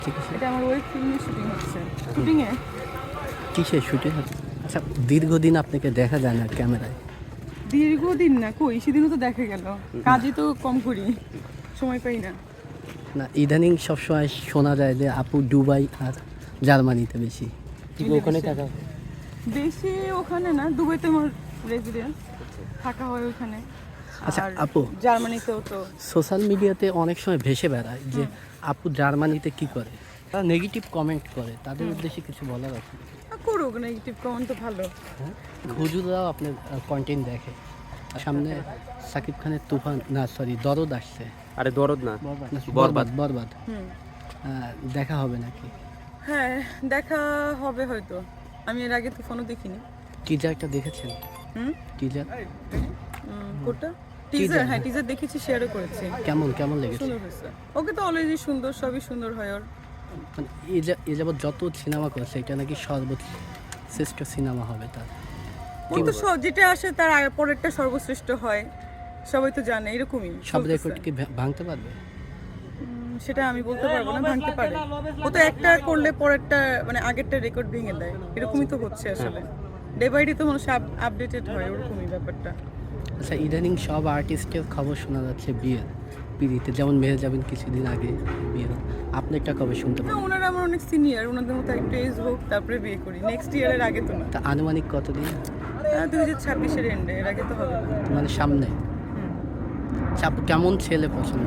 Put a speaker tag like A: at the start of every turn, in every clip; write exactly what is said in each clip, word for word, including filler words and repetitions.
A: ঠিক আছে।
B: এটা আমার ওয়েব ফিল্মের শুটিং হচ্ছে। শুটিংয়ে
A: কিসের শুটিং হচ্ছে? আচ্ছা, দীর্ঘদিন আপনাকে দেখা যায় না ক্যামেরায়।
B: দীর্ঘদিন না, কই সেদিনও তো দেখা গেল। কাজে তো কম করি, সময় পাই না।
A: না, ইদানিং সবসময় শোনা যায় যে আপু দুবাই আর জার্মানিতে বেশি।
C: ওখানে থাকা
B: বেশি ওখানে না, দুবাইতে আমার রেসিডেন্স, থাকা হয় ওখানে।
A: আচ্ছা
B: আর
A: আপু,
B: জার্মানিতেও তো
A: সোশ্যাল মিডিয়াতে অনেক সময় ভেসে বেড়ায় যে আপু জার্মানিতে কি করে, তারা নেগেটিভ কমেন্ট করে, তাদের উদ্দেশ্যে কিছু বলার আছে?
B: আহ, করুক, নেগেটিভ কমেন্ট তো ভালো।
A: হ্যাঁ, হুজুরাও আপনার কন্টেন্ট দেখে। সামনে সাকিব খানের তুফান, না সরি দরদ আসছে।
C: আরে দরদ না,
A: না,
C: বরবাদ।
A: বরবাদ বরবাদ
B: হুম,
A: আহ, দেখা হবে নাকি?
B: হ্যাঁ দেখা হবে হয়তো। আমি এর আগে তো ফোনও দেখিনি।
A: টিজারটা দেখেছেন?
B: হুম,
A: টিজার
B: উম, কোনটা? টিজার? হ্যাঁ, টিজার দেখেছি, শেয়ারও করেছি।
A: কেমন কেমন লেগেছে?
B: সুন্দর হয়েছে। ওকে তো অলরেডি সুন্দর, সবই সুন্দর হয় ওর।
A: মানে এ যা- এ যাবৎ যত সিনেমা করছে এটা নাকি সর্বশ্রেষ্ঠ সিনেমা হবে তার।
B: ওর তো সব যেটা আসে তার আগে পরেরটা সর্বশ্রেষ্ঠ হয়, সবাই তো জানে এরকমই
A: সব
B: চলতেছে।
A: রেকর্ড কি ভা- ভাঙতে পারবে?
B: উম, সেটা আমি বলতে পারবো না, ভাঙতে পারে। ও তো একটা করলে পরেরটা মানে আগেরটা রেকর্ড ভেঙে দেয়, এরকমই তো হচ্ছে আসলে। ডে বাই ডে তো মানুষ আপডেটেড হয়, ওরকমই ব্যাপারটা।
A: আচ্ছা, ইদানিং সব আর্টিস্টের খবর শোনা যাচ্ছে বিয়ের পিড়িতে, যেমন মেহে যাবেন কিছুদিন আগে বিয়ে হলো। আপনি একটা কবে শুনতে
B: না,
A: পারেন?
B: ওনারা আমার অনেক সিনিয়র, ওনাদের মতো একটু এজ হোক তারপরে বিয়ে করি। নেক্সট ইয়ারের আগে তো না,
A: তা আনুমানিক কতদিন?
B: দুই হাজার ছাব্বিশের এন্ডে, এর আগে তো হবে না।
A: মানে সামনে? আচ্ছা, আপু কেমন ছেলে পছন্দ?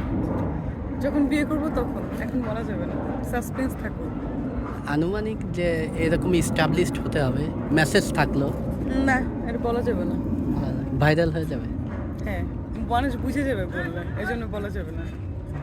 B: যখন বিয়ে করবো তখন, এখন বলা যাবে না, সাসপেন্স থাকুক।
A: আনুমানিক যে এরকম ইস্টাবলিশড হতে হবে, মেসেজ থাকলো,
B: না, এটা বলা যাবে না।
A: ভাইরাল হয়ে যাবে।
B: হ্যাঁ, মানুষ বুঝে যাবে বললে, এই জন্য বলা যাবে না।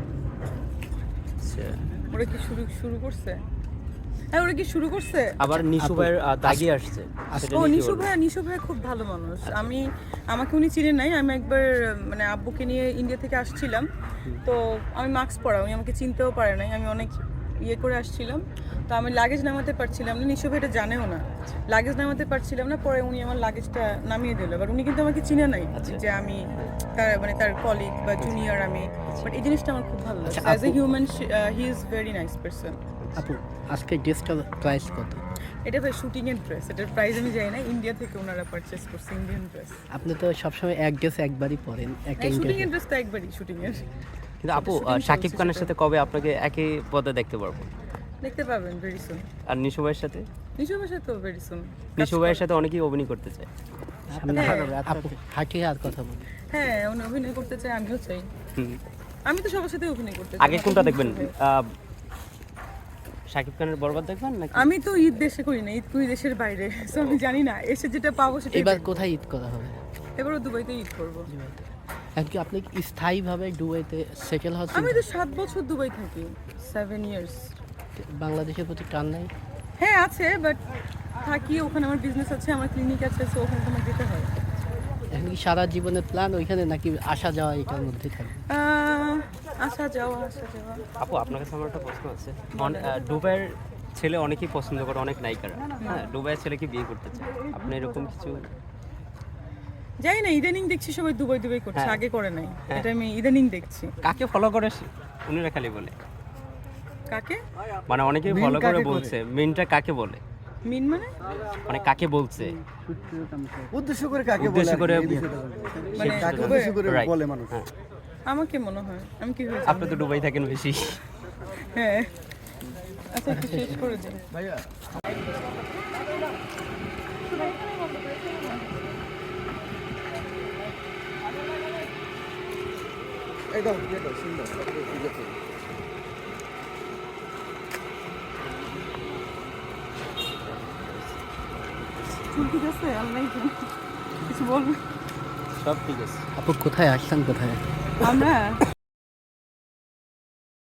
A: আচ্ছা,
B: ওরা কি শুরু শুরু করছে? হ্যাঁ, ওরা কি শুরু করছে?
C: আবার নিশু
A: আপু,
C: ভাইয়ের আহ, দাগি আসছে সেটা
B: ও
C: নিয়ে কি
B: নিশু
C: বলবেন?
B: ভাইয়া, নিশু ভাইয়া খুব ভালো মানুষ। আমি, আমাকে উনি চিনেন নাই, আমি একবার মানে আব্বুকে নিয়ে ইন্ডিয়া থেকে আসছিলাম, তো আমি মাস্ক পরা, উনি আমাকে চিনতেও পারে নাই। আমি অনেক ইয়ে করে আসছিলাম, তো আমি লাগেজ নামাতে পারছিলাম না, নিশু ভাই এটা জানেও না, লাগেজ নামাতে পারছিলাম না। পরে উনি আমার লাগেজটা নামিয়ে দিল, বাট উনি কিন্তু আমাকে চিনে নাই যে আমি তার মানে তার কলিগ বা জুনিয়র আমি। বাট এই জিনিসটা আমার খুব ভালো লাগছে।
A: আচ্ছা,
B: অ্যাজ এ
A: আপু-
B: human he is very nice person.
A: আপু আজকে ড্রেসটার প্রাইস কত?
B: এটা ভাই শুটিং এর ড্রেস, এটার প্রাইস আমি জানি না, ইন্ডিয়া থেকে ওনারা পারচেজ করছে ইন্ডিয়ান ড্রেস।
A: আপনি তো সবসময় এক ড্রেস একবারই পরেন একটা
B: শুটিং
A: ইন্টারভিউ।
B: এর ড্রেস তো একবারই শুটিং এর।
C: কিন্তু আপু
B: shooting
C: আহ,
B: চলছে
C: শাকিব খানের
B: সেটা।
C: সাথে কবে আপনাকে একই পদে দেখতে পারবো?
B: দেখতে পাবেন ভেরি সুন।
C: আর নিশু ভাইয়ের সাথে?
B: নিশু ভাষা তো ভেরি সুন।
C: নিশু ভাইয়ের সাথে অনেকেই অভিনয় করতে চায়।
A: সামনে
B: হ্যাঁ।
A: আপু হাঁটিয়ে আর কথা বলি।
B: হ্যাঁ, উনি অভিনয় করতে চাই, আমিও চাই।
C: হুম।
B: আমি তো সবার সাথে অভিনয় করতে চাই।
C: আগে কোনটা দেখবেন? আহ, শাকিব খানের বরবাদ দেখবেন নাকি?
B: আমি তো ঈদ দেশে করি না, ঈদ করি দেশের বাইরে, সো আমি জানি না, এসে যেটা পাবো সেটা।
A: এবার কোথায় ঈদ করা হবে?
B: এবারও দুবাইতে ঈদ করবো।
A: এখন কি আপনি কি স্থায়ীভাবে দুবাইতে সেটেল হচ্ছেন?
B: আমি তো সাত বছর দুবাই থাকি, সেভেন ইয়ার্স।
A: বাংলাদেশের প্রতি টান নাই?
B: হ্যাঁ আছে, বাট থাকি ওখানে, আমার বিজনেস আছে, আমার ক্লিনিক আছে, সো ওখানে তোমার যেতে হয়।
A: এখন কি সারা জীবনের প্ল্যান ওইখানে, নাকি আসা যাওয়া এটার মধ্যে থাকবে?
B: আহ, আসা যাওয়া আসা যাওয়া।
C: আপু আপনার কাছে আমার একটা প্রশ্ন আছে। অন- আহ, দুবাইয়ের ছেলে অনেকেই পছন্দ করে, অনেক নায়িকারা। হ্যাঁ, দুবাইয়ের ছেলেকে বিয়ে করতে চায়, আপনি এরকম কিছু?
B: জানি না, ইদানিং দেখছি সবাই দুবাই দুবাই করছে,
C: হ্যাঁ।
B: আগে করে নাই।
C: হ্যাঁ।
B: এটা আমি ইদানিং দেখছি।
C: কাকে ফলো করে সে- উনিরা খালি বলে,
B: কাকে
C: মানে অনেকেই ফলো করে বলছে, মেনটা কাকে বলে,
B: মিন মানে?
C: মানে কাকে বলছে
D: উদ্দেশ্য করে কাকে বলে
C: উদ্দেশ্য করে
D: আর কি, এই বিষয়টা বলে।
B: মানে
D: কাকে
B: দুবাই?
D: উদ্দেশ্য করে
C: Right.
D: বলে মানুষ।
C: হ্যাঁ,
B: আমাকে মনে হয়, আমি কি হয়েছে?
C: আপনি তো দুবাই থাকেন বেশি।
B: হ্যাঁ, আচ্ছা একটু শেষ করে দিন।
D: ভাইয়া এটা এটা সুন্দর ঠিক আছে।
B: চুল ঠিক আছে? আল্লাহ কিছু বলবেন?
C: সব ঠিক আছে।
A: আপু কোথায় আসছেন কোথায়?
B: আমরা